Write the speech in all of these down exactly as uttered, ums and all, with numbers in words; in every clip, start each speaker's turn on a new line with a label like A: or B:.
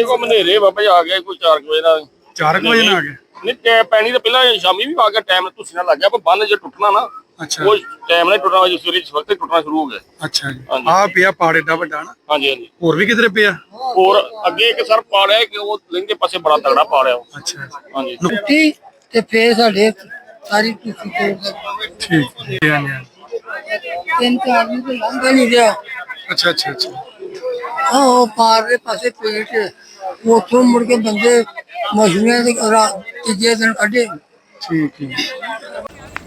A: ਇਹ ਕੋ ਮਨੇਰੇ ਬਾਬਾ ਜੀ ਆ ਗਿਆ ਕੋਈ ਚਾਰ ਵਜੇ ਨਾਲ।
B: ਚਾਰ ਵਜੇ ਨਾਲ ਆ ਗਏ?
A: ਨਹੀਂ ਟੈ ਪੈਣੀ ਤਾਂ ਪਹਿਲਾਂ ਸ਼ਾਮੀ ਵੀ ਆ ਗਿਆ, ਟਾਈਮ ਤੁਸੀਂ ਨਾਲ ਲੱਗ ਗਿਆ, ਪਰ ਬੰਨ ਜੇ ਟੁੱਟਣਾ ਨਾ
B: ਅੱਛਾ
A: ਉਹ ਟਾਈਮ ਨਾਲ ਟੁੱਟਣਾ, ਵਜੇ ਸਵੇਰੇ ਇਸ ਵਕਤ ਟੁੱਟਣਾ ਸ਼ੁਰੂ ਹੋ ਗਿਆ।
B: ਅੱਛਾ ਜੀ, ਆ ਪਿਆ ਪਾੜ ਏਡਾ ਵੱਡਾ ਨਾ?
A: ਹਾਂਜੀ ਹਾਂਜੀ।
B: ਹੋਰ ਵੀ ਕਿਧਰੇ ਪਿਆ?
A: ਹੋਰ ਅੱਗੇ ਇੱਕ ਸਰ ਪਾੜਿਆ ਕਿ ਉਹ ਲਹਿੰਦੇ ਪਾਸੇ ਬੜਾ ਤਗੜਾ ਪਾੜਿਆ ਉਹ।
B: ਅੱਛਾ
A: ਹਾਂਜੀ
C: ਟੁੱਟੀ ਤੇ ਫੇਰ ਸਾਡੇ ਸਾਰੀ ਤੁਸੀਂ
B: ਠੀਕ ਹੈ।
C: ਤਿੰਨ ਚਾਰ ਦਿਨ ਤੋਂ ਲੰਘ ਨਹੀਂ ਰਿਹਾ।
B: ਅੱਛਾ ਅੱਛਾ ਅੱਛਾ।
C: ਹਾਂ ਉਹ ਪਾਰ ਦੇ ਪਾਸੇ ਪੇਟ ਉੱਥੋਂ ਮੁੜ ਕੇ ਬੰਦੇ ਮਸ਼ੀਨਾਂ ਦੇ ਤੀਜੇ ਦਿਨ ਕੱਢੇ।
B: ਠੀਕ ਹੈ।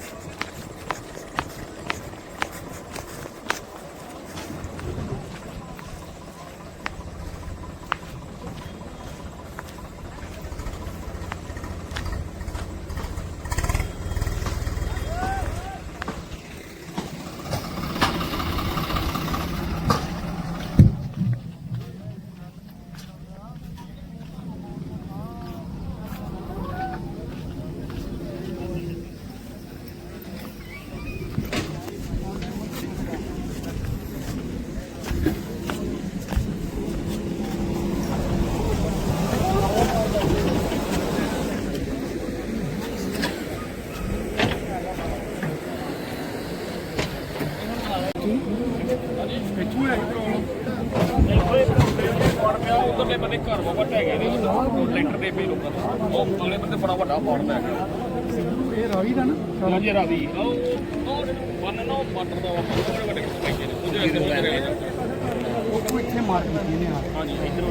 A: ਉਧਰਲੇ ਬੰਦੇ ਘਰ ਬਾਬਾ ਢਹਿ ਗਏ ਨੇ, ਲੈਂਟਰ ਦੇ ਪਏ ਲੋਕਾਂ ਦੇ, ਉਹ ਅਗਲੇ ਬੰਦੇ ਬੜਾ ਵੱਡਾ ਪਾੜ ਪੈ ਗਿਆ।
B: ਇਹ ਰਾਵੀ ਦਾ ਨਾ?
A: ਹਾਂਜੀ ਰਾਵੀ ਉਹ ਬੰਨ ਨਾ ਮਾਟਰ ਦਾ ਬੜੇ ਵੱਡੇ ਪੈਂਦੇ ਨੇ, ਉਹਦੇ ਅੰਦਰ ਲੈ ਰਹੇ ਨੇ।
B: ਉਹ ਇੱਥੇ ਮਾਰ ਕੀਤੀ ਨੇ।
A: ਹਾਂਜੀ ਇੱਧਰੋਂ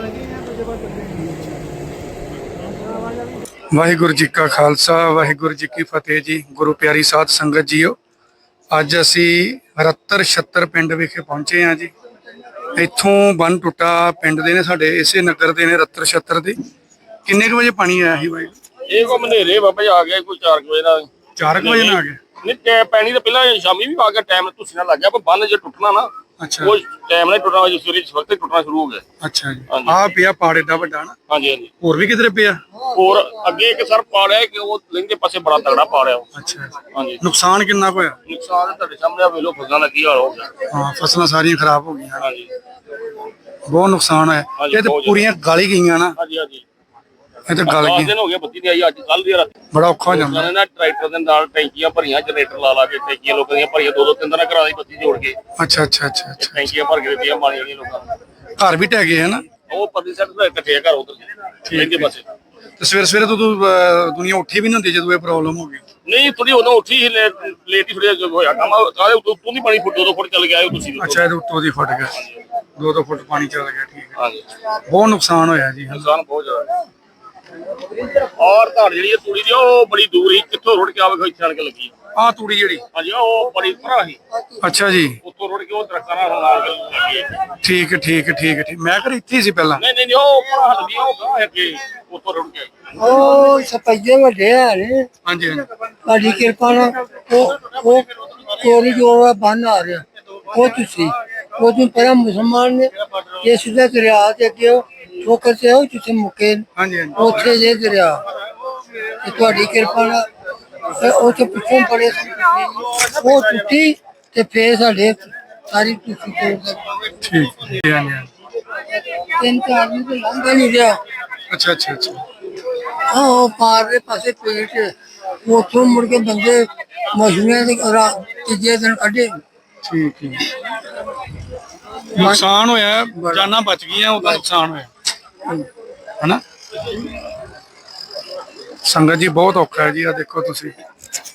B: ਵਾਹਿਗੁਰੂ ਜੀ ਕਾ ਖਾਲਸਾ, ਵਾਹਿਗੁਰੂ ਜੀ ਕੀ ਫਤਿਹ ਜੀ। ਗੁਰੂ ਪਿਆਰੀ ਸਾਧ ਸੰਗਤ ਜੀਓ, ਅੱਜ ਅਸੀਂ ਰੱਤਰ ਛੱਤਰ ਪਿੰਡ ਵਿਖੇ ਪਹੁੰਚੇ ਹਾਂ ਜੀ। ਇੱਥੋਂ ਬੰਨ ਟੁੱਟਾ, ਪਿੰਡ ਦੇ ਨੇ ਸਾਡੇ, ਇਸੇ ਨਗਰ ਦੇ ਨੇ, ਰੱਤਰ ਛੱਤਰ ਦੇ। ਕਿੰਨੇ ਕੁ ਵਜੇ ਪਾਣੀ ਆਇਆ ਸੀ ਬਾਈ?
A: ਇਹ ਕੋ ਮਨੇਰੇ ਬਾਬਾ ਜੀ ਆ ਗਿਆ ਕੋਈ ਚਾਰ ਵਜੇ ਨਾਲ।
B: ਚਾਰ ਵਜੇ ਨਾਲ ਆ ਗਏ?
A: ਨਹੀਂ ਟੈ ਪੈਣੀ ਤਾਂ ਪਹਿਲਾਂ ਸ਼ਾਮੀ ਵੀ ਆ ਗਿਆ, ਟਾਈਮ ਤੁਸੀਂ ਨਾਲ ਲੱਗ ਗਿਆ, ਪਰ ਬੰਨ ਜੇ ਟੁੱਟਣਾ ਨਾ
B: ਅੱਛਾ
A: ਉਹ ਟਾਈਮ ਨਾਲ ਟੁੱਟਣਾ, ਵਜੇ ਸਵੇਰੇ ਇਸ ਵਕਤ ਟੁੱਟਣਾ ਸ਼ੁਰੂ ਹੋ ਗਿਆ।
B: ਅੱਛਾ ਜੀ, ਆ ਪਿਆ ਪਾੜ ਏਡਾ ਵੱਡਾ ਨਾ?
A: ਹਾਂਜੀ ਹਾਂਜੀ।
B: ਹੋਰ ਵੀ ਕਿਧਰੇ ਪਿਆ?
A: ਹੋਰ ਅੱਗੇ ਇੱਕ ਸਰ ਪਾੜਿਆ ਕਿ ਉਹ ਲਹਿੰਦੇ ਪਾਸੇ ਬੜਾ ਤਗੜਾ ਪਾੜਿਆ ਉਹ।
B: ਅੱਛਾ।
A: ਹਾਂਜੀ
B: ਨੁਕਸਾਨ ਕਿੰਨਾ ਕੁ ਹੋਇਆ?
A: ਨੁਕਸਾਨ ਤੁਹਾਡੇ ਸਾਹਮਣੇ ਵੇਖ ਲਓ, ਫਸਲਾਂ ਦਾ ਕੀ ਹਾਲ ਹੋ ਗਿਆ।
B: ਹਾਂ, ਫਸਲਾਂ ਸਾਰੀਆਂ ਖਰਾਬ ਹੋ ਗਈਆਂ।
A: ਹਾਂਜੀ
B: ਬਹੁਤ ਨੁਕਸਾਨ ਹੋਇਆ। ਇਹ ਤੇ ਪੂਰੀਆਂ ਗਲ ਹੀ ਗਈਆਂ ਨਾ?
A: ਹਾਂਜੀ ਹਾਂਜੀ।
B: ਇਹ ਤੇ ਗਲ
A: ਦਸ
B: ਗਈ,
A: ਦਿਨ ਹੋ ਗਏ ਬੱਤੀ ਨਹੀਂ ਆਈ, ਅੱਜ ਕੱਲ ਦੀ ਰਾਤ
B: ਬੜਾ ਔਖਾ ਹੋ ਜਾਂਦਾ।
A: ਨਾ ਟਰੈਕਟਰ ਦੇ ਨਾਲ ਟੈਂਕੀਆਂ ਭਰੀਆਂ, ਜਨਰੇਟਰ ਲਾ ਲਾ ਕੇ ਟੈਂਕੀਆਂ ਲੋਕਾਂ ਦੀਆਂ ਭਰੀਆਂ, ਦੋ ਦੋ ਤਿੰਨ ਦਿਨ ਕਰਾ ਦੀ ਬੱਤੀ ਜੋੜ ਕੇ।
B: ਅੱਛਾ ਅੱਛਾ ਅੱਛਾ ਅੱਛਾ।
A: ਟੈਂਕੀਆਂ ਭਰ ਕੇ ਦਿੱਤੀਆਂ ਪਾਣੀ ਵਾਲੀਆਂ ਲੋਕਾਂ ਨੂੰ।
B: ਘਰ ਵੀ ਢਹਿ ਗਏ ਹੈ ਨਾ?
A: ਉਹ ਪਰਲੀ ਸਾਈਡ ਤੋਂ ਇਕੱਠੇ ਘਰ ਉਧਰ ਲਹਿੰਦੇ ਪਾਸੇ।
B: ਤੇ ਸਵੇਰੇ ਸਵੇਰੇ ਤੋਂ ਤੂੰ, ਅਹ, ਦੁਨੀਆ ਉੱਠੀ ਵੀ ਨਹੀਂ ਹੁੰਦੀ ਜਦੋਂ ਇਹ ਪ੍ਰੋਬਲਮ ਹੋ ਗਈ?
A: ਨਹੀਂ ਥੋੜੀ ਉਦੋਂ ਉੱਠੀ ਸੀ, ਲੇਟ ਹੀ ਥੋੜੀ ਹੋਇਆ ਕੰਮ। ਕਾਹਦੇ ਉੱਤੋਂ ਦੀ ਪਾਣੀ ਫੁੱਟ ਦੋ ਦੋ ਫੁੱਟ ਚੱਲ ਗਿਆ ਤੁਸੀਂ।
B: ਅੱਛਾ, ਇਹਦੇ ਉੱਤੋਂ ਦੀ ਫੁੱਟ ਗਿਆ, ਦੋ ਦੋ ਫੁੱਟ ਪਾਣੀ ਚੱਲ ਗਿਆ। ਠੀਕ ਹੈ।
A: ਹਾਂਜੀ
B: ਬਹੁਤ ਨੁਕਸਾਨ ਹੋਇਆ ਜੀ।
A: ਨੁਕਸਾਨ ਬਹੁਤ ਜ਼ਿਆਦਾ। ਔਰ ਧੜ ਜਿਹੜੀ ਹੈ ਤੂੜੀ ਦੀ, ਉਹ ਬੜੀ ਦੂਰ ਹੀ, ਕਿੱਥੋਂ ਰੁੜ ਕੇ ਆਵੇ ਇੱਥੇ ਆਣ ਕੇ ਲੱਗੀ।
B: ਆਹ ਤੂੜੀ ਜਿਹੜੀ?
A: ਹਾਂਜੀ ਉਹ ਬੜੀ ਭਰਾ ਸੀ।
B: ਅੱਛਾ ਜੀ,
A: ਉੱਥੋਂ ਰੁੜ ਕੇ ਉਹ ਦਰਖਤਾਂ ਨਾਲ ਆ ਕੇ ਲੱਗੀ।
B: ਠੀਕ ਹੈ ਠੀਕ ਹੈ ਠੀਕ ਹੈ ਠੀਕ। ਮੈਂ ਘਰ ਇੱਥੇ ਹੀ ਸੀ ਪਹਿਲਾਂ।
A: ਨਹੀਂ ਨਹੀਂ ਉਹ ਭਰਾ ਹੱਲਦੀ ਉਹ ਗਾਂ ਹੈ ਕਿ ਉੱਥੋਂ ਰੁੜ ਕੇ।
C: ਉਹ ਸਪਈਏ ਵੱਡੇ ਆ ਨੇ,
B: ਹਾਂਜੀ ਹਾਂਜੀ।
C: ਤੁਹਾਡੀ ਕਿਰਪਾ ਨਾਲ ਉਹ ਉਹ ਕੋਰੀ ਜੋ ਬੰਨ ਆ ਰਿਹਾ ਉਹ ਤੁਸੀਂ ਉਹ ਤੋਂ ਪਹਿਲਾਂ ਮੁਸਲਮਾਨ ਨੇ ਇਹ ਸਿੱਧਾ ਦਰਿਆ ਤੇ ਅੱਗੇ ਠੋਕਰ ਤੇ ਉਹ ਜਿੱਥੇ ਮੁੱਕੇ
B: ਹਾਂਜੀ ਹਾਂਜੀ।
C: ਉੱਥੇ ਜੇ ਦਰਿਆ ਤੇ ਤੁਹਾਡੀ ਕਿਰਪਾ ਨਾਲ ਤੇ ਉੱਥੇ ਪਿੱਛੋਂ ਬੜੇ ਉਹ ਟੁੱਟੀ ਤੇ ਫੇਰ ਸਾਡੇ ਸਾਰੀ ਤੁਸੀਂ
B: ਠੀਕ ਹੈ। ਹਾਂਜੀ ਹਾਂਜੀ।
C: ਤਿੰਨ ਚਾਰ ਦਿਨ ਤੋਂ ਲੰਘ ਨਹੀਂ ਰਿਹਾ।
B: ਅੱਛਾ ਅੱਛਾ ਅੱਛਾ।
C: ਹਾਂ ਉਹ ਪਾਰ ਦੇ ਪਾਸੇ ਪੇਟ ਉੱਥੋਂ ਮੁੜ ਕੇ ਬੰਦੇ ਮਸ਼ੀਨਾਂ ਦੇ ਤੀਜੇ ਦਿਨ ਕੱਢੇ।
B: ਠੀਕ ਹੈ। ਨੁਕਸਾਨ ਹੋਇਆ, ਜਾਨਾਂ ਬਚ ਗਈਆਂ, ਉਹਦਾ ਨੁਕਸਾਨ ਹੋਇਆ ਹਨਾ? ਸੰਗਤ ਜੀ ਬਹੁਤ ਔਖਾ ਹੈ ਜੀ। ਆ ਦੇਖੋ ਤੁਸੀਂ।